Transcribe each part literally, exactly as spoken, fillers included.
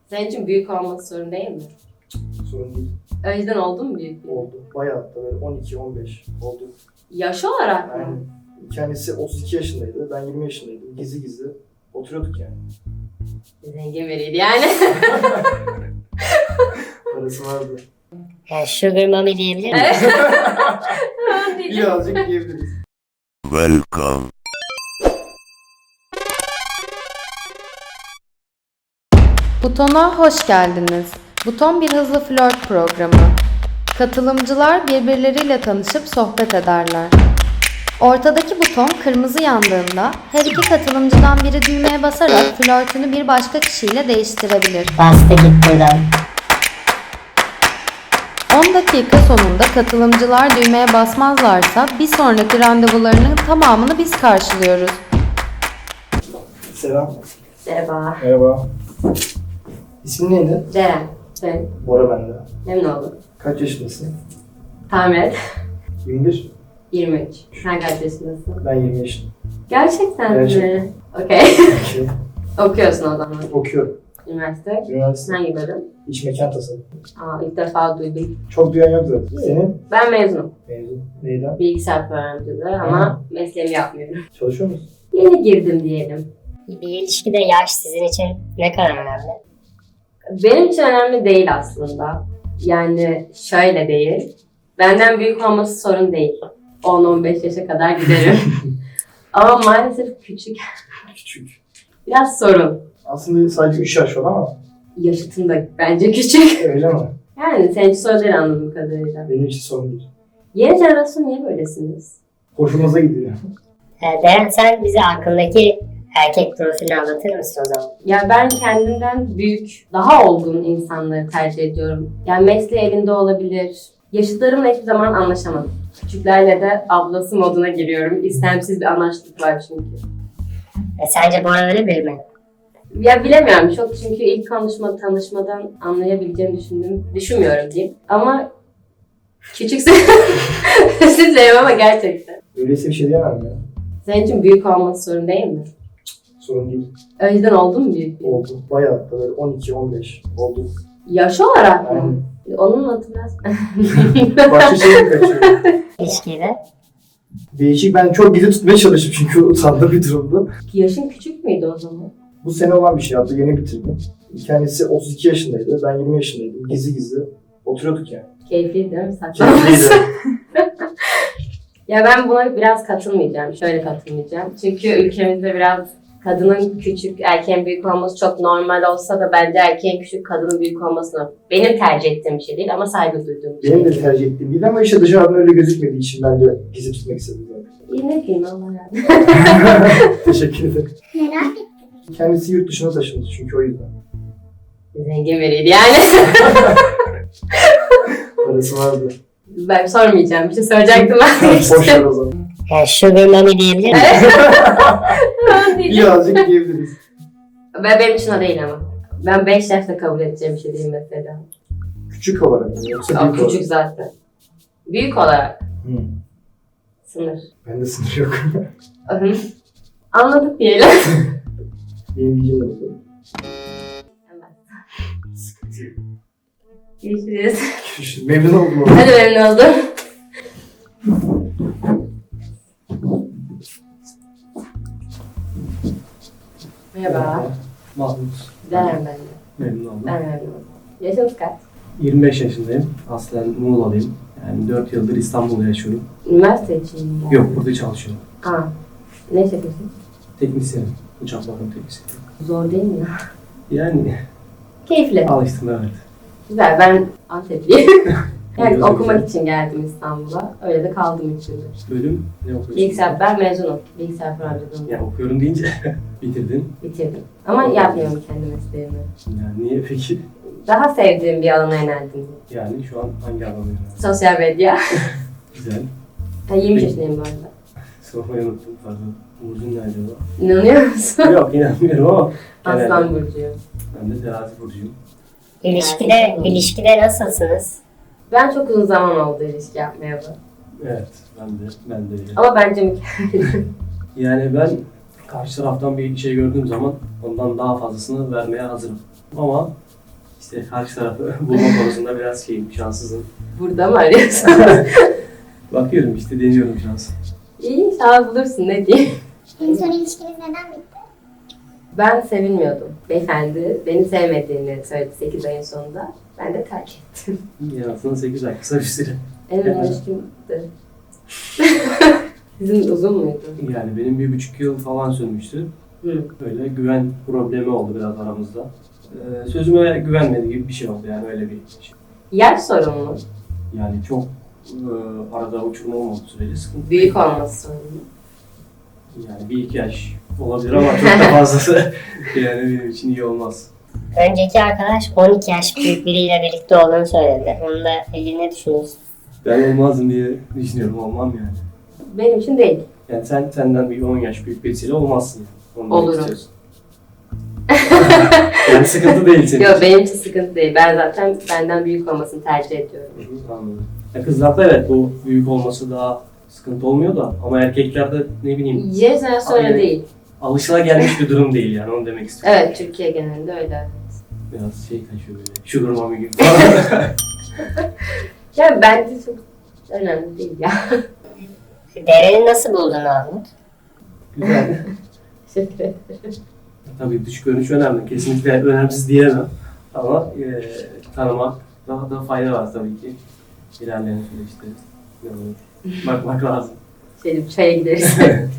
Senin için büyük olması sorun değil mi? Sorun değil. Önceden oldu mu büyük? Oldu. Bayağı hatta böyle on iki on beş oldu. Yaş olarak mı? Yani kendisi otuz iki yaşındaydı. Ben yirmi yaşındaydım. Gizli gizli oturuyorduk yani. Zengin biriydi yani. Parası vardı. Yani sugar mommy diyebilir miyim? Evet. Tamam diyeceğim. Birazcık diyebiliriz. Welcome. Butona hoş geldiniz. Buton bir hızlı flört programı. Katılımcılar birbirleriyle tanışıp sohbet ederler. Ortadaki buton kırmızı yandığında her iki katılımcıdan biri düğmeye basarak flörtünü bir başka kişiyle değiştirebilir. Bastı git buradan. on dakika sonunda katılımcılar düğmeye basmazlarsa bir sonraki randevularının tamamını biz karşılıyoruz. Selam. Merhaba. Merhaba. İsmin neydi? Ceren. Sen Bora bende. memnun oldum. Kaç yaşındasın? Tahmin et. yirmi bir. yirmi üç. Sen kaç yaşındasın? Ben yirmi yaşındayım. Gerçekten Gerçekten. mi? Okey. Okey. Okuyorsun o zaman. Okuyorum. Üniversite. Üniversite. Hangi bölüm? İç mekan tasarım. Aa, ilk defa duydum. Çok duyan yok zaten. Senin? Ben mezunum. Mezun. Neyden? Bilgisayar programcılığı ama mesleğimi yapmıyorum. Çalışıyor musun? Yeni girdim diyelim. Bir ilişkide yaş sizin için ne kadar önemli? Benim için önemli değil aslında. Yani şöyle değil. Benden büyük olması sorun değil. on on beş yaşa kadar giderim. Ama maalesef küçük. Küçük. Biraz sorun. Aslında sadece üç yaş var ama Yaşıtım da bence küçük. öyle mi? Yani senin için sorun değil anladığım kadarıyla. Benim için sorun değil. Yeni jenerasyon niye böylesiniz? Hoşumuza gidiyor. Ee, Deren sen bize hakkındaki erkek profilini anlatır mısın o zaman? Ya ben kendimden büyük, daha olgun insanları tercih ediyorum. Yani mesleği elinde olabilir. Yaşıtlarımla hiçbir zaman anlaşamadım. Küçüklerle de ablası moduna giriyorum. İstemsiz bir anlaştık var çünkü. E, sence Bora öyle biri mi? Ya bilemiyorum çok çünkü ilk konuşma, tanışmadan anlayabileceğimi düşündüm. Düşünmüyorum diyeyim. Ama küçükse özür dilerim ama gerçekten. Öyleyse bir şey diyemem ya. Senin için büyük olması sorun değil mi? Sorun değil. Önceden oldu mu büyük? Oldu. Bayağı hatta böyle on iki on beş oldu. Yaş olarak mı? Aynen. Onun adı biraz... Başka şey mi kaçıyor? İlişkide? Değişik. Ben çok gizli tutmaya çalıştım çünkü utandığım bir durumda. Yaşın küçük müydü o zaman? Bu sene olan bir şey. Hatta yeni bitirdim. Kendisi otuz iki yaşındaydı. Ben yirmi yaşındaydım. Gizli gizli oturuyorduk yani. Keyifliydi değil mi? Saçma. Keyifliydi. Ya ben buna biraz katılmayacağım. Şöyle katılmayacağım. Çünkü ülkemizde biraz kadının küçük, erkeğin büyük olması çok normal olsa da bence erkeğin küçük, kadının büyük olmasına benim tercih ettiğim bir şey değil ama saygı duyduğum bir şey. Benim de tercih ettiğim değil ama işte dışarıdan öyle gözükmediği için ben de gizli tutmak istedim zaten. İyi ne diyeyim Allah yani. Teşekkür ederim. Merak ettim. Kendisi yurt dışına taşındı çünkü o yüzden. Zengin biriydi yani. Parası vardı. Ben sormayacağım. Bir şey soracaktım ben. Boş ver o zaman. Yani sugar mommy diyebilir miyim? Tamam diyeceğim. Birazcık diyebiliriz. Ve benim için o değil ama. Ben beş yaşta kabul edeceğim bir şey değil mesela. Küçük olarak mı yoksa O büyük olarak? küçük zaten. Büyük olarak. Hı. Sınır. Bende sınır yok. Hı. Anladık diyelim. Benim bilgim de bu. Sıkıntı yok. Görüşürüz. Görüşürüz. Memnun oldum. Hadi memnun oldum. Merhaba. Mahmut. Güzel ben de. Memnun oldum. Ben memnun oldum. Yaşınız kaç? yirmi beş yaşındayım. Aslen Muğla'lıyım. Yani dört yıldır İstanbul'da yaşıyorum. Üniversite için mi? Yok, burada çalışıyorum. Aa. Ne iş yapıyorsun? Teknisyenim. Uçak bakım teknisyeni. Zor değil mi ya? Yani Keyifli. alıştım, evet. Güzel. Ben Antepliyim. Yani Güzel, okumak güzel. için geldim İstanbul'a. Öyle de kaldım üç yıldır. Bölüm ne okuyorsun? Bilgisayar, ben mezunum. Bilgisayar programcılığını Ya okuyorum deyince bitirdin. bitirdim. Ama yapmıyorum kendi mesleğimi. Yani niye peki? Daha sevdiğim bir alana yöneldim. Yani şu an hangi alanda yani? Sosyal medya. Güzel. Ha, yirmi Peki. yaşındayım bu arada. Sormayı unuttum, pardon. Burcun ne acaba? İnanıyor musun? Yok, inanmıyorum ama genelde Aslan burcuyum. ben de terazi burcuyum. İlişkide, ilişkide nasılsınız? Ben çok uzun zaman oldu ilişki yapmaya bu. Evet, ben de, ben de öyle. Ama bence mükemmel. Yani ben karşı taraftan bir şey gördüğüm zaman ondan daha fazlasını vermeye hazırım. Ama İşte karşı tarafı bulma konusunda biraz şeyim, şanssızım. Burada mı arıyorsun? Bakıyorum işte, deniyorum şans. İyi, inşallah bulursun, ne diyeyim. En son ilişkiniz neden bitti? Ben sevilmiyordum. Beyefendi beni sevmediğini söyledi sekiz ayın sonunda. Ben de terk ettim. Yani aslında sekiz ay, kısa bir süre. En uzun ilişkimdi. Sizin uzun muydu? Yani benim bir buçuk yıl falan sürmüştü. Hı. Böyle güven problemi oldu biraz aramızda. Ee, sözüme güvenmedi gibi bir şey oldu, yani öyle bir şey. Yaş sorun mu? Yani çok e, arada uçurma olmadığı sürece sıkıntı. Büyük olması sorun mu? Yani bir iki yaş olabilir ama çok da fazlası yani benim için iyi olmaz. Önceki arkadaş on iki yaş büyük biriyle birlikte olduğunu söyledi. Onunla ilgili ne düşünüyorsun? Ben olmazdım diye düşünüyorum, olmam yani. Benim için değil. Yani sen senden bir on yaş büyük birisiyle olmazsın yani. Onu demek Olurum. istiyorsun. Yani sıkıntı değil senin Yok, için. benim için sıkıntı değil. Ben zaten benden büyük olmasını tercih ediyorum. Hı hı, anladım. Ya kızlarda evet bu büyük olması daha sıkıntı olmuyor da ama erkeklerde ne bileyim Jenerasyon öyle Aynen. değil. alışılagelmiş bir durum değil yani, onu demek istiyorum. Evet, Türkiye genelinde öyle. Biraz şey kaçıyor böyle. Sugar mommy gibi falan. Ya bence çok önemli değil ya. Deren'i nasıl buldun anlat. Güzel. Teşekkür ederim. Tabii dış görünüş önemli. Kesinlikle önemsiz diyemem. Ama e, tanımak daha da fayda var tabii ki. İlerleyen süreçte. Yani bakmak lazım. Şey, bir çaya gideriz.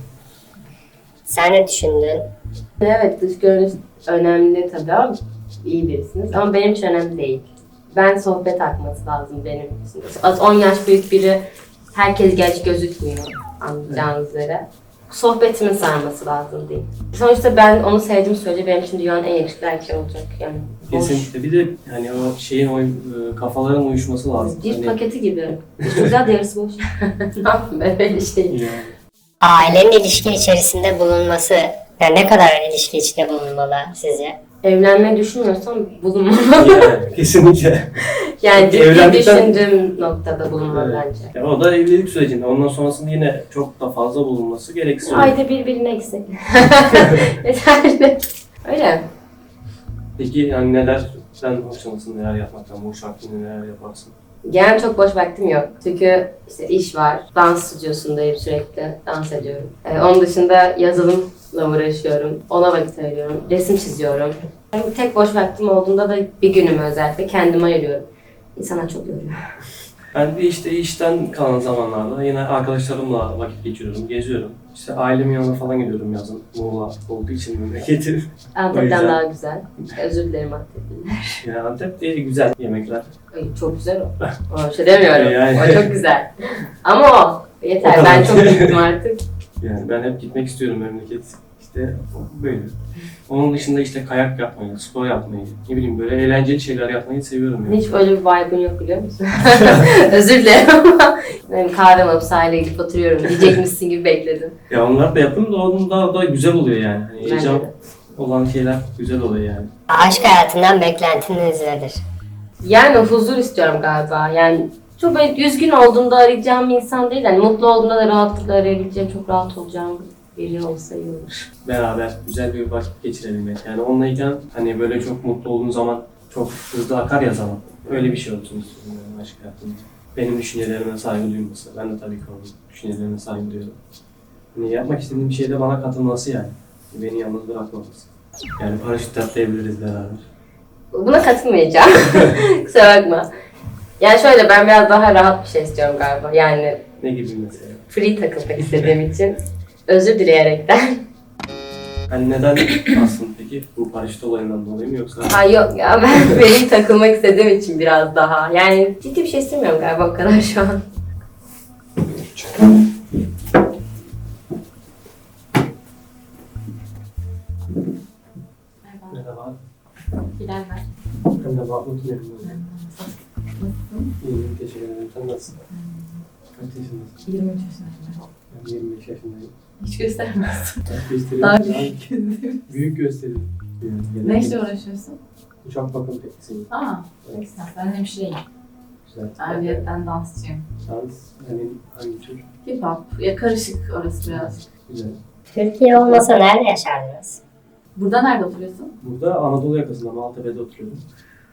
Sen ne düşündün? Evet, dış görünüş önemli tabii ama iyi birisiniz. Ama benim için önemli değil. Ben sohbet akması lazım benim için. Az on yaş büyük biri herkes genç gözükmüyor anlayacağınız üzere. Sohbetimin sarması lazım değil. Sonuçta ben onu sevdiğim sürece benim için dünyanın en yakışıklı erkeği olacak. Yani hoş. Kesinlikle. Bir de hani o şeyin o e, kafaların uyuşması lazım. Bir Hani, paketi gibi. Üstü güzel de yarısı boş. Ne yapayım ben öyle şey. yani, Ailenin ilişki içerisinde bulunması, yani ne kadar ilişki içinde bulunmalı sizce? Evlenmeyi düşünmüyorsam bulunmamalı. yani, kesinlikle. Yani ciddi Evlendikten- düşündüğüm noktada bulunmalı bence. Ya o da evlilik sürecinde. Ondan sonrasında yine çok da fazla bulunması gereksiz. Ayda bir birine eksik. Yeterli. Öyle. Peki yani neler, sen hoşlanırsın, neler yapmaktan, boş vaktinde neler yaparsın? Genel çok boş vaktim yok. Çünkü işte iş var. Dans stüdyosundayım sürekli. Dans ediyorum. Ee, onun dışında yazılımla uğraşıyorum. Ona vakit ayırıyorum. Resim çiziyorum. Yani tek boş vaktim olduğunda da bir günümü özellikle kendime ayırıyorum. İnsanlar çok yoruyor. Ben de işte işten kalan zamanlarda yine arkadaşlarımla vakit geçiriyorum, geziyorum. İşte ailemin yanına falan gidiyorum yazın. Muğla olduğu için memleketim. O Antep'ten yüzden- daha güzel. Özür dilerim Antep'liler. Yani Antep'te güzel yemekler. Ay, çok güzel o. Ona bir şey demiyorum. Yani. O çok güzel. Ama o. Yeter. O kadar. Ben çok gittim artık. Yani ben hep gitmek istiyorum memleket. İşte böyle. Onun dışında işte kayak yapmayı, spor yapmayı, ne bileyim böyle eğlenceli şeyler yapmayı seviyorum yani. Hiç öyle bir vibe'ın yok biliyor musun? Özür dilerim ama ben kahve alıp sahile gidip oturuyorum diyecekmişsin gibi bekledim. Ya onlar da yapıyorum da onun daha da güzel oluyor yani. Hani Bence heyecan de. olan şeyler güzel oluyor yani. Aşk hayatından beklentiniz nedir? Yani huzur istiyorum galiba. Yani çok böyle üzgün olduğumda arayacağım bir insan değil. Yani mutlu olduğumda da rahatlıkla arayabileceğim, çok rahat olacağım biri olsa iyi olur. Beraber güzel bir vakit geçirebilmek. Yani onunlayken hani böyle çok mutlu olduğun zaman çok hızlı akar ya zaman. Öyle bir şey olsun istiyorum yani aşk hayatımda. Benim düşüncelerime saygı duyması. Ben de tabii ki onun düşüncelerine saygı duyuyorum. Hani yapmak istediğim bir şeyde bana katılması yani. Beni yalnız bırakmaması. Yani paraşüt atlayabiliriz beraber. Buna katılmayacağım. Kusura bakma. Yani şöyle ben biraz daha rahat bir şey istiyorum galiba. Yani Ne gibi mesela? free takılmak istediğim için özür dileyerekten. Hani neden aslında peki? Bu paraşüt olayından dolayı mı yoksa? Ha yok ya ben free takılmak istediğim için biraz daha. Yani ciddi bir şey istemiyorum galiba o kadar şu an. Merhaba. Bilal var. Ben de Mahmut memnun oldum. İyiyim, teşekkür ederim. Sen nasılsın? Kaç yaşındasın? yirmi üç yaşındayım. Ben yirmi beş yaşındayım. Hiç göstermez. Kaç gösteriyorum? Daha Daha büyük gözlerim. büyük gösteriyorum. Yani Ne işle uğraşıyorsun? Uçak bakım teknisiyim. Aa, ne güzel. Ben hemşireyim. Güzel. Ayrıyeten dansçıyım. Dans, hani hangi tür? Hip hop. Ya karışık orası birazcık. Güzel. Türkiye olmasa nerede yaşardınız? Burada nerede oturuyorsun? Burada Anadolu yakasında Maltepe'de oturuyorum.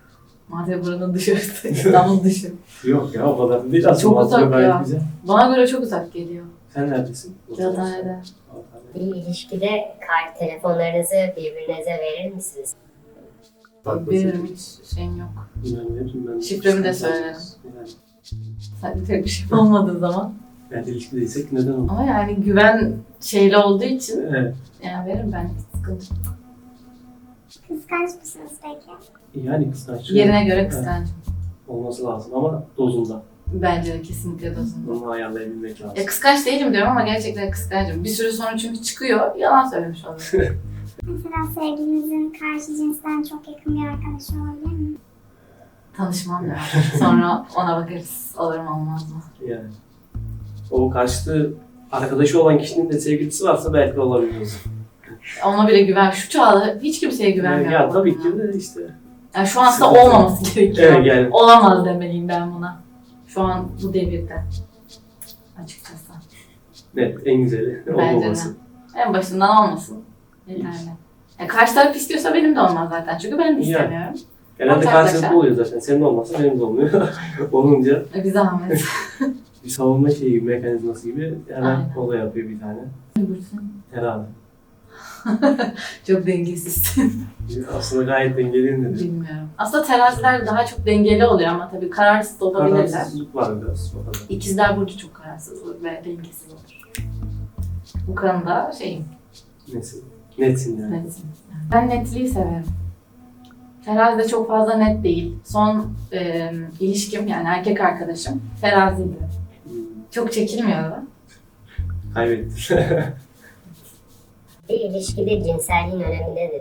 Maltepe buranın dışarısı. İstanbul dışı. Yok ya, o kadar değil aslında. Çok uzak Maltepe gayet ya. güzel. Bana göre çok uzak geliyor. Sen neredesin? Kağıthane'de. Bir ilişkide kart telefonlarınızı birbirinize verir misiniz? Bak Benim hiç şeyim yok. Ben veririm, ben. Şifremi de söylerim. Yani, Sadece tek bir şey olmadığı zaman. yani ilişkideysek neden olmaz? Ama yani güven şeyli olduğu için Evet. yani veririm ben hiç sıkıntı yok. Kıskanç mısınız peki? Yani kıskançlık Yerine göre kıskancım. olması lazım ama dozunda. Bence de kesinlikle dozunda. Bunu ayarlayabilmek lazım. Ya kıskanç değilim diyorum ama gerçekten kıskancım. Bir süre sonra çünkü çıkıyor, yalan söylemiş oluyorum. Mesela sevgilinizin karşı cinsten çok yakın bir arkadaşı olabilir mi? Tanışmam lazım. Sonra ona bakarız. Olur mu olmaz mı? Yani. O karşıtı arkadaşı olan kişinin de sevgilisi varsa belki olabilir. Ona bile güven. Şu çağda hiç kimseye güvenmiyorum. Ya tabii ki de işte. Yani şu an aslında Sıkıntı. olmaması gerekiyor. Evet yani. Olamaz demeliyim ben buna. Şu an bu devirde. Açıkçası. Evet, en güzeli Bence de. olmaması. En başından olmasın. Yeterli. Ya karşı taraf istiyorsa benim de olmaz zaten. Çünkü ben de istemiyorum. Genelde Ortaklaşa. karşılıklı oluyor zaten. Senin olmazsa benim de olmuyor. Olunca E, bir zahmet. bir savunma şeyi, mekanizması gibi hemen Aynen. olay yapıyor bir tane. Herhalde. Çok dengesizsin. Aslında gayet dengeliyim dedi. Bilmiyorum. Aslında teraziler daha çok dengeli oluyor ama tabii kararsız da olabilirler. Kararsızlık var biraz o kadar. İkizler burcu çok kararsız olur ve dengesiz olur. Bu konuda şeyim, Nesin? Netsin yani. netim. Ben netliği severim. Terazi de çok fazla net değil. Son e, ilişkim yani erkek arkadaşım teraziydi. Hmm. Çok çekilmiyordu. Kaybettim. Bir ilişkide cinselliğin önemi nedir?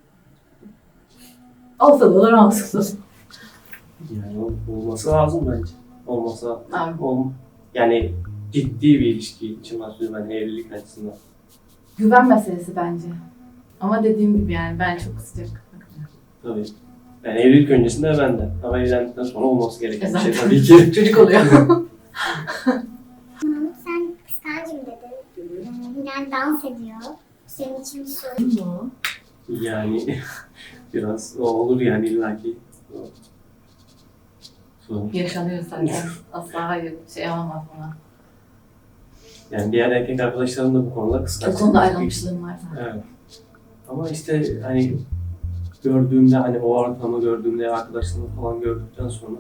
Olsa da olur, olsa da olur. Yani ol- olması lazım bence. Olmasa Abi, ol, yani ciddi bir ilişki için bahsediyorum ben evlilik açısından. güven meselesi bence. Ama dediğim gibi yani ben çok sıcak bakmıyorum. Tabii. Yani evlilik öncesinde ben de. Ama evlendikten sonra olması gereken bir şey Zaten. tabii ki. Çocuk oluyor. Mahmut sen kıskancım dedin. Ee, Hilal dans ediyor. Senin için bir sorun mu? Yani biraz o olur yani illaki. Sorun. Yaşanıyor zaten. Asla hayır şey olamaz buna. Yani diğer erkek arkadaşlarım da bu konuda kıskanç. O konuda ayrılmışlığım var zaten. Evet. Ama işte hani gördüğümde hani o ortamı gördüğümde arkadaşlarımı falan gördükten sonra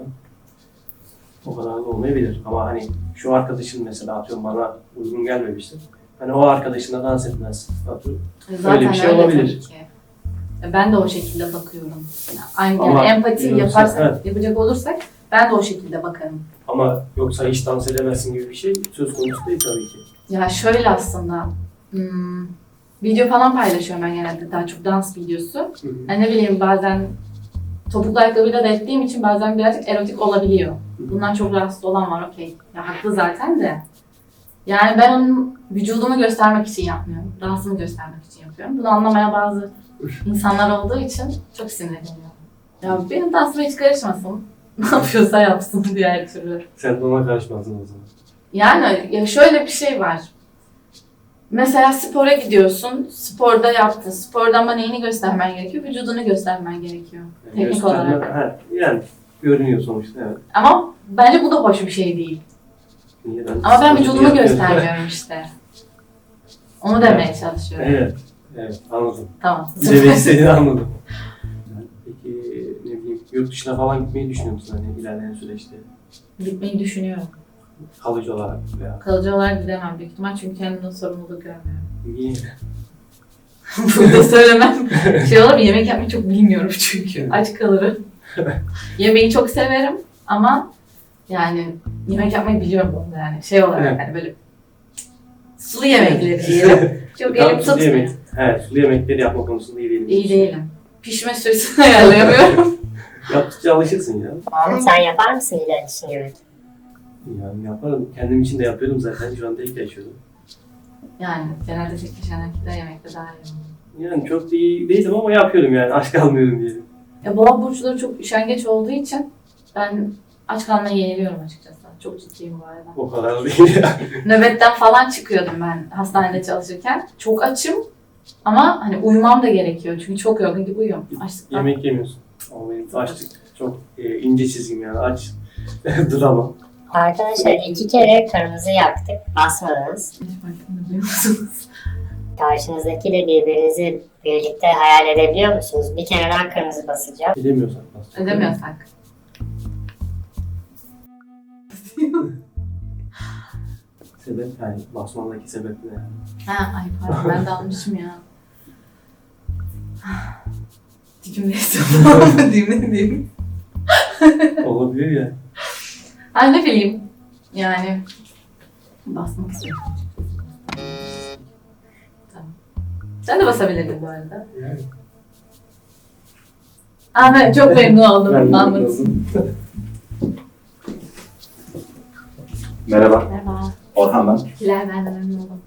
o kadar da olmayabilir. Ama hani şu arkadaşım mesela atıyorum bana uygun gelmemiştir. Hani o arkadaşına dans etmez. Atıyorum. Zaten Öyle bir şey öyle olabilir. tabii ki. E, Ben de o şekilde bakıyorum. Yani aynı Ama yani empati yoksa- yaparsak, evet. yapacak olursak ben de o şekilde bakarım. Ama yoksa hiç dans edemezsin gibi bir şey söz konusu değil tabii ki. Ya şöyle aslında, hmm, video falan paylaşıyorum ben genelde daha çok dans videosu. Hı hı. Yani ne bileyim bazen topuklu ayakkabıyla da ettiğim için bazen birazcık erotik olabiliyor. Bundan çok rahatsız olan var, okey. Ya haklı zaten de. Yani ben onun vücudumu göstermek için yapmıyorum. Dansımı göstermek için yapıyorum. Bunu anlamayan bazı insanlar olduğu için çok sinirleniyorum. Ya benim dansıma hiç karışmasın. Ne yapıyorsa yapsın diğer türlü. Sen de ona karışmazdın o zaman. Yani ya şöyle bir şey var. Mesela spora gidiyorsun, sporda yaptın. Sporda ama neyini göstermen gerekiyor? Vücudunu göstermen gerekiyor. Yani Teknik gösterme- olarak. Ha, yani görünüyor sonuçta evet. Ama bence bu da hoş bir şey değil. Niye ben Ama ben vücudumu yapıyorum. göstermiyorum işte. Onu demeye çalışıyorum. Evet, evet anladım. Tamam. Ne demek istediğini anladım. Peki ne bileyim yurt dışına falan gitmeyi düşünüyor musun hani ilerleyen süreçte? Gitmeyi düşünüyorum. Kalıcı olarak veya Kalıcı olarak gidemem büyük ihtimal çünkü kendimden sorumluluk görmüyorum. niye? Burada söylemem şey olur, yemek yapmayı çok bilmiyorum çünkü. Aç kalırım. Yemeği çok severim ama yani yemek yapmayı biliyorum bu arada yani şey olarak Evet. hani böyle sulu yemekleri diyelim. Çok Tamam, elim sulu tutmuyor. yemek. Evet, sulu yemekleri yapma konusunda iyi değilim. İyi değilim. Pişme süresini ayarlayamıyorum. Yaptıkça alışırsın ya. Mahmut sen yapar mısın Hilal için yemek? Yani yaparım. Kendim için de yapıyordum zaten. Şu anda tek yaşıyordum. Yani genelde tek kişiden erkekler yemekte daha iyi oluyor. Yani çok da iyi değildim ama yapıyordum yani. Aç kalmıyordum diyelim. Ya boğa burçları çok üşengeç olduğu için ben aç kalmaya yeniliyorum açıkçası. Çok ciddiyim bu arada. O kadar değil ya. Nöbetten falan çıkıyordum ben hastanede çalışırken. Çok açım ama hani uyumam da gerekiyor çünkü çok yorgun gibi uyuyorum. Açlıktan. Yemek yemiyorsun. Ama benim açlık Çok e, ince çizgim yani aç drama. Arkadaşlar iki kere kırmızı yaktık. Basmadınız. Hiç farkında değil musunuz? Karşınızdakiyle birbirinizi birlikte hayal edebiliyor musunuz? Bir kere daha kırmızı basacağım. Edemiyorsak bas. Edemiyorsak. Sebep yani basmandaki sebep ne yani? Ha, ay pardon ben de almışım ya. Dikim neyse falan mı diyeyim ne diyeyim. Olabilir ya. Ha ne bileyim. Yani basmak istiyorum. Tamam. Sen de basabilirdin bu arada. Yani. Aa, ben çok memnun oldum. Ben de Mahmut. yazdım. Merhaba, Merhaba. Orhan ben. Hilal, ben de memnun oldum.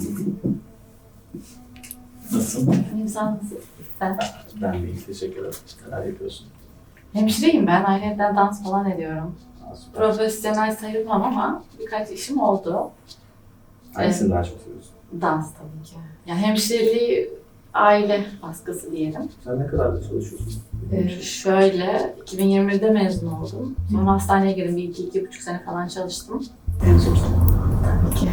Nasılsın? İyiyim, sağ olasın. Sen? Ben de iyi, teşekkür ederim. Neler yapıyorsun? Hemşireyim ben. Ayrıca dans falan ediyorum. Aa, süper. Profesyonel sayılmam ama birkaç işim oldu. Hangisini daha çok seviyorsun? Dans tabii ki. Yani hemşireliği aile baskısı diyelim. Sen ne kadar da çalışıyorsun? Ee, şöyle, iki bin yirmi birde mezun oldum. Sonra hastaneye girdim. Bir iki, iki buçuk sene falan çalıştım. En son Tabii ki.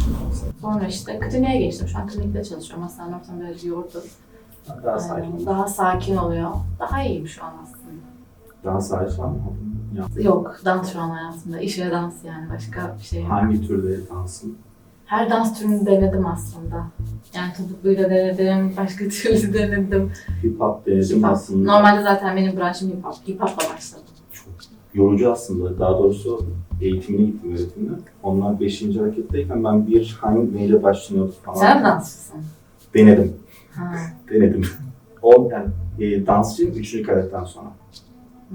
Sonra işte kliniğe geçtim. Şu an klinikte çalışıyorum. Hastane ortamı biraz yordu. daha Aynen. sakin. Daha sakin oluyor. Daha iyiyim şu an aslında. Daha sakin var mı? Ya, Yok, dans şu an hayatımda. İş ve dans yani. Başka bir şey yok. hangi türde dansın? Her dans türünü denedim aslında. Yani topukluyla denedim, başka türlü denedim. Hip hop denedim Hip hop. aslında. Normalde zaten benim branşım hip hop. Hip hop'la başladım. Çok yorucu aslında. Daha doğrusu eğitimine gittim öğretimine. Onlar beşinci hareketteyken ben bir hangi neyle başlanıyordu falan. Sen mi dansçısın? Denedim. Ha. Denedim. O yani e, dansçıyım üçüncü kadetten sonra. Hmm.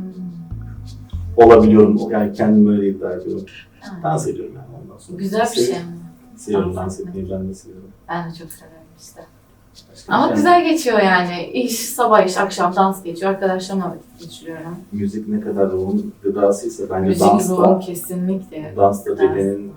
Olabiliyorum. Yani kendimi öyle iddia ediyorum. Ha. Dans ediyorum yani ondan sonra. Güzel bir şey Seviyorum. mi? Seviyorum Dans dans etmek. etmeyi, ben de seviyorum. Ben de çok severim işte. Başka Ama bir şey- güzel geçiyor yani. İş, sabah iş, akşam dans geçiyor. Arkadaşlarımla vakit geçiriyorum. Müzik ne kadar ruhun gıdasıysa bence Müzik dans ruhum da, kesinlikle. dans da Dans. bedenin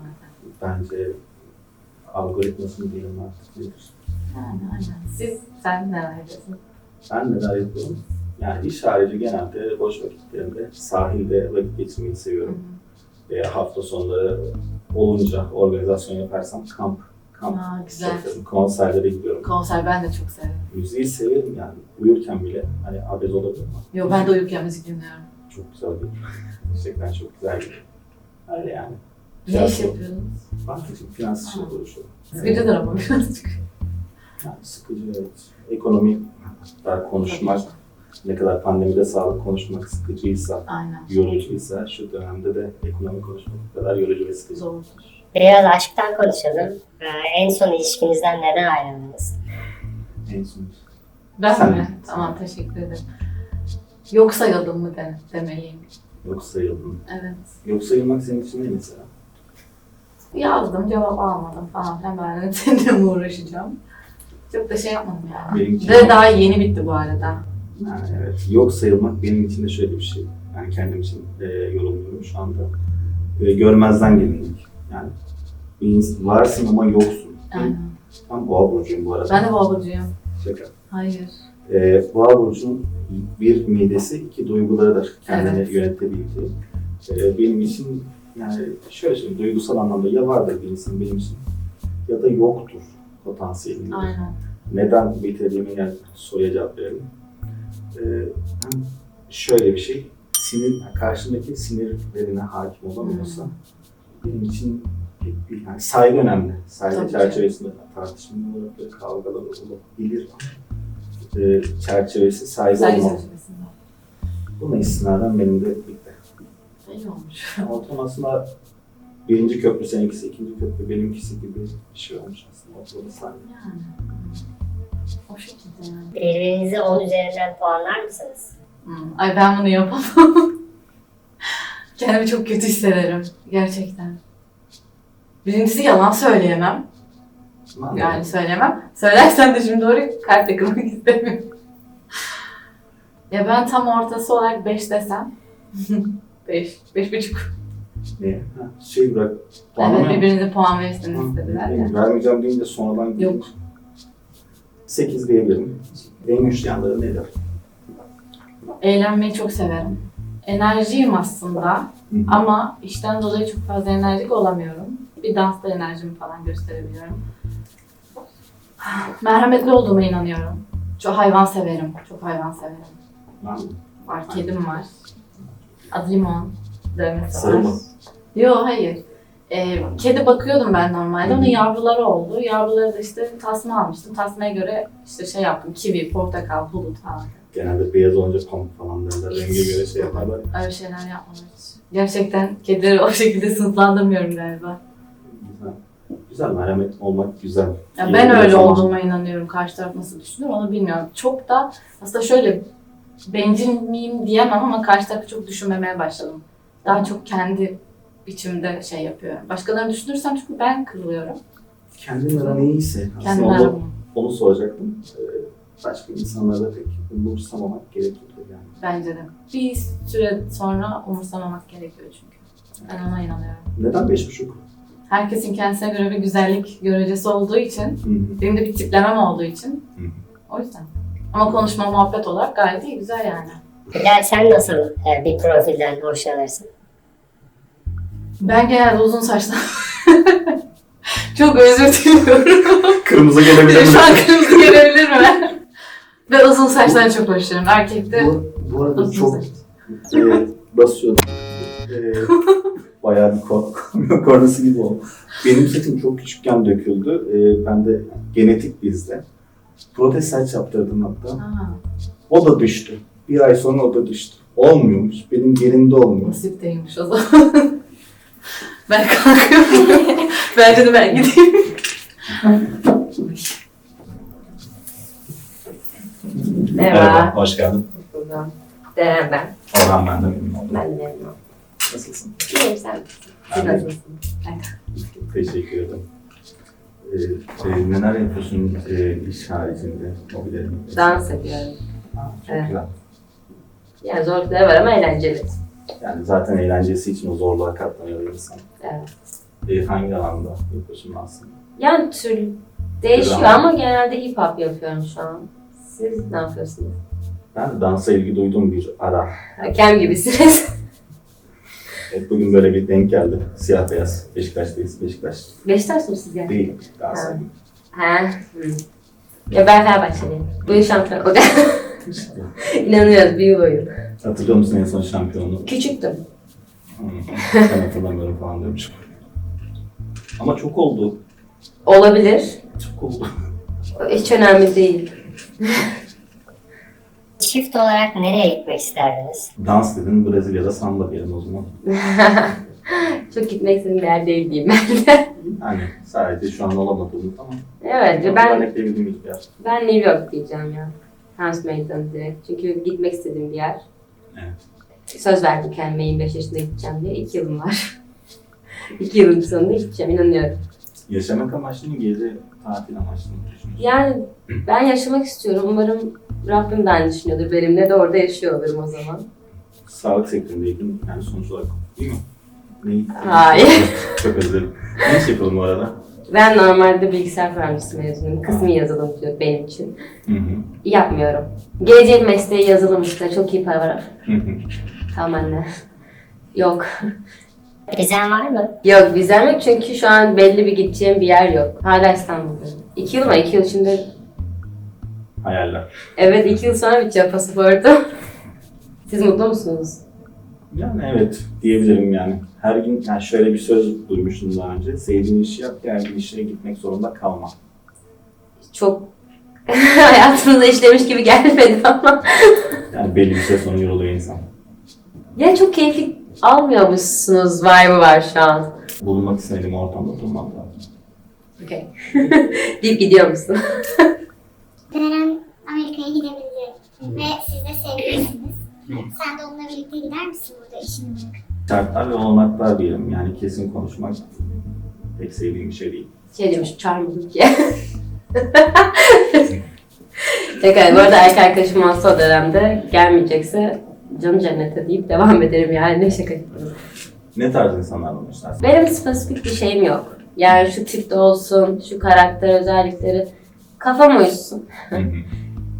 bence algoritmasını diyelim artık nedir? Yani aynen. Siz, sen neler yapıyorsun? Ben neler yapıyorum? Yani iş harici genelde boş vakitlerimde sahilde vakit geçirmeyi seviyorum. Veya hafta sonları olunca organizasyon yaparsam kamp, kamp Aa, güzel. yaparım. Konserlere gidiyorum. Konser ben de çok severim. Müziği severim yani uyurken bile hani abez olabilir ama Yo, ben de uyurken müzik dinliyorum. çok güzel değil. Gerçekten çok güzel değil. Öyle yani. Ne iş Tiyatro. yapıyorsunuz? Bankacılık, finans işiyle Aa. uğraşıyorum. Sıkıcıdır ama birazcık. Yani sıkıcı evet. Ekonomi, hatta konuşmak, ne kadar pandemide sağlık konuşmak sıkıcıysa, Aynen. yorucuysa şu dönemde de ekonomi konuşmak bu kadar yorucu ve sıkıcı. Zordur. Biraz aşktan konuşalım. Ee, en son ilişkinizden neden ayrıldınız? En son. Ben Sen- mi? Tamam, teşekkür ederim. Yok sayıldım mı de, demeliyim. Yok sayıldın. Evet. Yok sayılmak senin için ne mesela? Yazdım, cevap almadım falan filan. Ben de seninle mi uğraşacağım? Çok da şey yapmadım ya. Benimki- Ve daha yeni bitti bu arada. Yani evet, yok sayılmak benim için de şöyle bir şey. Yani kendim için e, yorumluyorum şu anda. E, görmezden gelinlik. Yani bir ins- varsın ama yoksun. Aynen. Ben boğa burcuyum bu arada. Ben de boğa burcuyum. Şaka. Hayır. Ee, Boğa burcunun bir midesi, iki duygularıdır kendini Evet. yönetebildiği. Ee, benim için yani şöyle söyleyeyim, duygusal anlamda ya vardır bir insan benim için ya da yoktur potansiyelinde. Aynen. Neden bitirdiğimi yani soruya cevap verelim. Ee, hem şöyle bir şey, sinir, karşındaki sinirlerine hakim olamıyorsa Hmm. benim için pek bir, yani saygı önemli. Saygı Tabii ki. çerçevesinde tartışmalar olabilir, kavgalar olabilir ama e, çerçevesi saygı Saygı olmalı. çerçevesinde. Buna istinaden benim de bitti. İyi olmuş. Ortam aslında birinci köprü seninkisi, ikinci köprü benimkisi gibi bir şey olmuş aslında. Ortada saygı. Yani. O şekilde yani. Birbirinizi on üzerinden puanlar mısınız? Hmm. Ay ben bunu yapamam. Kendimi çok kötü hissederim. Gerçekten. Birincisi yalan söyleyemem. Ben de- Yani söylemem. Söylersem de şimdi doğru kalp takılmak istemiyorum. Ya ben tam ortası olarak beş desem. beş, beş buçuk. Ne? Ha, şey bırak. Evet, puanlama yap. birbirinize puan verirsiniz istediler ya. Vermeyeceğim deyince sonradan Yok. sekiz diyebilirim. En güçlü yanları nedir? Eğlenmeyi çok severim. enerjiyim aslında Hı hı. ama işten dolayı çok fazla enerjik olamıyorum. Bir dansta enerjimi falan gösterebiliyorum. Merhametli olduğuma inanıyorum. Çok hayvan severim, çok hayvan severim. Var mı? Var, kedim var. Adı Limon. Dövmesi var. Sarı mı? Yok, hayır. Ee, kedi bakıyordum ben normalde. Onun yavruları oldu. Yavruları da işte tasma almıştım. Tasmaya göre işte şey yaptım. Kivi, portakal, bulut falan. Genelde beyaz olunca pamuk falan derler. Hiç. Renge göre şey yaparlar. Öyle şeyler yapmadım hiç. Gerçekten kedileri o şekilde sınıflandırmıyorum galiba. Güzel. Güzel, merhamet olmak güzel. Ya İyi ben bir öyle zaman. olduğuma inanıyorum. Karşı taraf nasıl düşünür onu bilmiyorum. Çok da aslında şöyle bencil miyim diyemem ama karşı tarafı çok düşünmemeye başladım. Daha çok kendi biçimde şey yapıyorum. Başkalarını düşünürsem çünkü ben kırılıyorum. Kendin aran iyiyse, aslında Kendim onu, aramı. onu soracaktım. Ee, başka insanları da pek umursamamak gerekiyor yani. Bence de. Bir süre sonra umursamamak gerekiyor çünkü. Ben ona inanıyorum. Neden beş buçuk? Herkesin kendisine göre bir güzellik görecesi olduğu için, Hı hı. benim de bir tiplemem olduğu için. Hı hı. O yüzden. Ama konuşma, muhabbet olarak gayet iyi, güzel yani. Hilal sen nasıl e, bir profilden hoşlanırsın? Ben genelde uzun saçlı. Çok özür diliyorum. Kırmızı gelebilir mi? Şu an kırmızı gelebilir mi? Ve uzun saçtan çok hoşlanıyorum. Erkekte Bu, bu arada uzun çok saç. e, basıyordum. E, bayağı bir kor kornası gibi oldu. Benim saçım çok küçükken döküldü. E, ben de genetik bizde. Protez saç yaptırdım hatta. Ha, O da düştü. Bir ay sonra o da düştü. Olmuyormuş. Benim yerimde olmuyor. nasip değilmiş o zaman. Ben kalkıyorum. Bence de ben gideyim. Merhaba. Hoş geldin. Buradan. Deren ben. Orhan ben de memnun oldum. Ben de memnun oldum. Nasılsın? İyiyim sen. Siz Ben de nasılsınız? teşekkür ederim. Ee, e, neler yapıyorsun e, iş haricinde? Hobilerin? Dans ediyorum. Ha, çok Evet. güzel. Yani zorlukları var ama eğlenceli. Yani zaten eğlencesi için o zorluğa katlanıyor insan. Evet. E, hangi alanda yapıyorsun aslında? Yani tür değişiyor Güzel. ama genelde hip hop yapıyorum şu an. Siz ne yapıyorsunuz? Ben de dansa ilgi duyduğum bir ara. Hakem gibisiniz. Evet, bugün böyle bir denk geldi. Siyah beyaz. Beşiktaş'tayız. Beşiktaş Beşiktaş mısınız yani? değil. Galatasaray. Ha. Hı. Ya ben Fenerbahçeliyim. Bu yıl şampiyon olacak. İnanıyoruz büyük oyun. Hatırlıyor musun en son şampiyonu? Küçüktüm. Hmm, ben hatırlamıyorum falan diyormuş. Ama çok oldu. Olabilir. Çok oldu. Hiç önemli değil. Çift olarak nereye gitmek isterdiniz? Dans dedin, Brezilya'da samba diyelim o zaman. Çok gitmek istediğim bir yer değil diyeyim ben de. Yani sadece şu an olamadığımız ama Evet ben örnekleyebildiğimiz bir yer. ben New York diyeceğim ya. Hans Meydanı direkt. Çünkü gitmek istediğim bir yer. Evet. Söz verdim kendime yirmi beş yaşında gideceğim diye. İki yılım var. İki yılın sonunda gideceğim inanıyorum. Yaşamak amaçlı mı, gezi tatil amaçlı mı düşünüyorsun? Yani ben yaşamak istiyorum. Umarım Rabbim de aynı düşünüyordur benimle de orada yaşıyor olurum o zaman. Sağlık sektöründeydin yani sonuç olarak değil mi? Ne? Hayır. Çok özür dilerim. Ne iş yapalım bu arada? Ben normalde bilgisayar mühendisi mezunuyum. Kısmi yazılımcı benim için. Hı hı. Yapmıyorum. Geleceğin mesleği yazılım işte. Çok iyi para var. Hı hı. Tamam anne. Yok. Vizen var mı? Yok vizem yok çünkü şu an belli bir gideceğim bir yer yok. Hala İstanbul'dayım. İki yıl mı? İki yıl içinde... Hayaller. Evet iki yıl sonra bitecek pasaportum. Siz mutlu musunuz? Yani evet diyebilirim yani. Her gün yani şöyle bir söz duymuştum daha önce. Sevdiğin işi yap, geldiğin işe gitmek zorunda kalma. Çok hayatımda işlemiş gibi gelmedi ama. Yani belli bir süre sonra yoruluyor insan. Ya çok keyifli almıyormuşsunuz vibe'ı var şu an. Bulunmak istediğim ortamda durmak lazım. Okay. Deyip gidiyor musun? Deren Amerika'ya gidebilir ve siz de sevgilisiniz. Sen de onunla birlikte gider misin burada işini bırakıp? Şartlar ve olanaklar diyelim. Yani kesin konuşmak pek sevdiğim bir şey değil. Şey demiş, çağırmadım ki. Tekrar bu arada erkek arkadaşım olsa o dönemde gelmeyecekse canı cennete deyip devam ederim yani ne şaka yapıyorum. Ne tarz insanlarla hoşlarsın? Benim spesifik bir şeyim yok. Yani şu tipte olsun, şu karakter özellikleri kafam uyuşsun. Hı hı.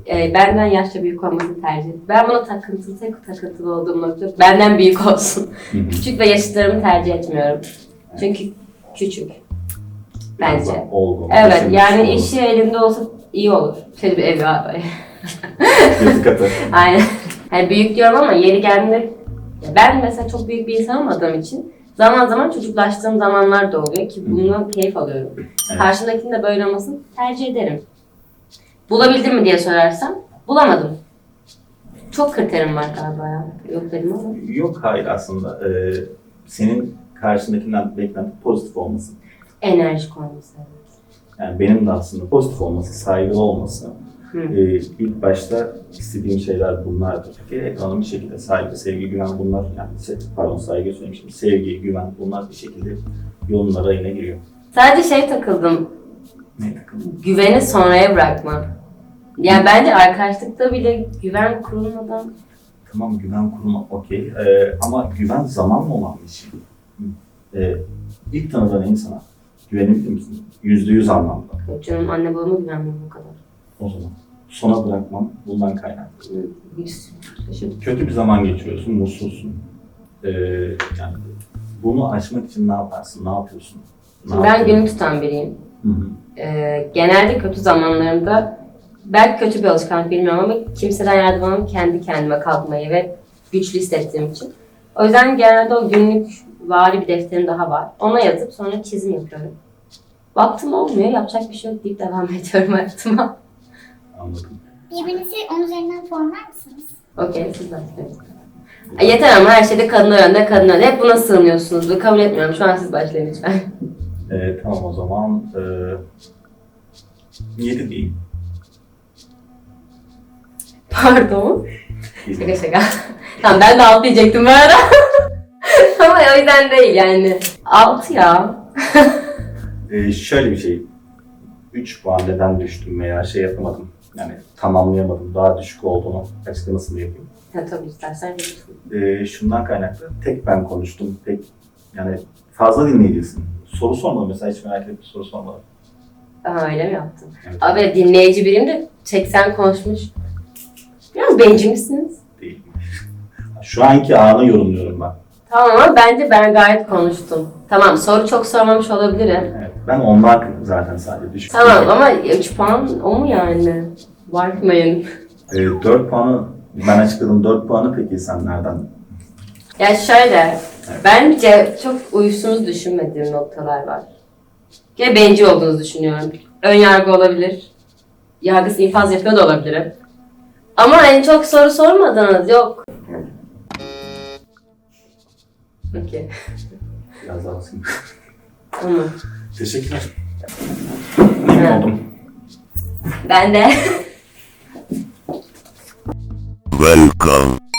e, benden yaşça büyük olmasını tercih ederim. Ben buna takıntılı, tek takıntılı olduğum nokta benden büyük olsun. Küçük ve yaşıtlarımı tercih etmiyorum. Çünkü küçük. Bence. Olgun. Evet, düşünmüş yani olur. işi elinde olsa iyi olur. Şöyle bir evi var. Gözü katı. Aynen. Yani büyük diyorum ama yeri geldiğinde ben mesela çok büyük bir insan olmadığım için zaman zaman çocuklaştığım zamanlar da oluyor ki bundan keyif alıyorum. Evet. Karşımdakinin de böyle olmasını tercih ederim. Bulabildim mi diye sorarsam bulamadım. Çok kriterim var galiba ya. Yok dedim ama. Yok hayır aslında. Ee, senin karşındakinden beklenti pozitif olması. Enerjik olması. Yani benim de aslında pozitif olması, saygılı olması. Hı. Ee, ilk başta istediğim şeyler bunlardı. Peki ekonomi bir şekilde saygı, sevgi, güven bunlar, yani se- pardon saygı söylemiştim, sevgi, güven bunlar bir şekilde yolun rayına giriyor. Sadece şey takıldım. Ne takıldı? Güveni sonraya bırakma. Yani bence arkadaşlıkta bile güven kurulmadan Tamam güven kurmak okey ee, ama güven zamanla olan bir şey. Ee, ilk tanıdığın insana güvenebilir misin? Yüzde yüz anlamda. yok canım anne babama güvenmiyorum o kadar. O zaman sona bırakmam bundan kaynaklı. Hiç şaşırdım. Kötü bir zaman geçiriyorsun, mutsuzsun. Ee, yani bunu aşmak için ne yaparsın, ne yapıyorsun? Ne Ben yapıyorsun? günü tutan biriyim. Hı hı. Ee, genelde kötü zamanlarımda belki kötü bir alışkanlık bilmiyorum ama kimseden yardım almam kendi kendime kalkmayı ve güçlü hissettiğim için. O yüzden genelde o günlük vari bir defterim daha var. Ona yazıp sonra çizim yapıyorum. Vaktim olmuyor, yapacak bir şey yok deyip devam ediyorum hayatıma. Anladım. Birbirinizi on üzerinden puanlar mısınız? Okey, siz başlayın. Ay, yeter ama her şeyde kadın önde, kadın önde. Hep buna sığınıyorsunuz. Bu kabul etmiyorum. Şu an siz başlayın lütfen. Ee, tamam o zaman e, yedi diyeyim. Pardon. Yedi. Şaka şaka. Tamam ben de altı diyecektim bu arada. Ama o yüzden değil yani. Altı ya. Ee, şöyle bir şey. üç puan neden düştüm veya şey yapamadım. Yani tamamlayamadım. Daha düşük olduğunu açıklamasını yapayım. Ha, tabii istersen yapırsın. Ee, şundan kaynaklı. Tek ben konuştum. Tek yani fazla dinleyeceksin. Soru sormadım mesela hiç merak ettim soru sormadım. Aha öyle mi yaptın? Evet, Abi dinleyici biriyim de seksen konuşmuş. Biraz bencil misiniz? değil. Şu anki anı yorumluyorum ben. Tamam ama bence ben gayet konuştum. Tamam soru çok sormamış olabilirim. Evet, ben ondan zaten sadece düşük. Tamam ama üç puan o mu yani? Bakmayın. Ee, dört puanı ben açıkladım. dört puanı peki sen nereden? Ya şöyle, bence çok uyuştuğunuzu düşünmediğim noktalar var. Ve bencil olduğunuzu düşünüyorum. Ön yargı olabilir. Yargısı infaz yapıyor da olabilirim. Ama hani çok soru sormadınız, yok. Okey. Biraz daha basayım. Tamam. Teşekkürler. Memnun Evet. oldum. Ben de. Welcome.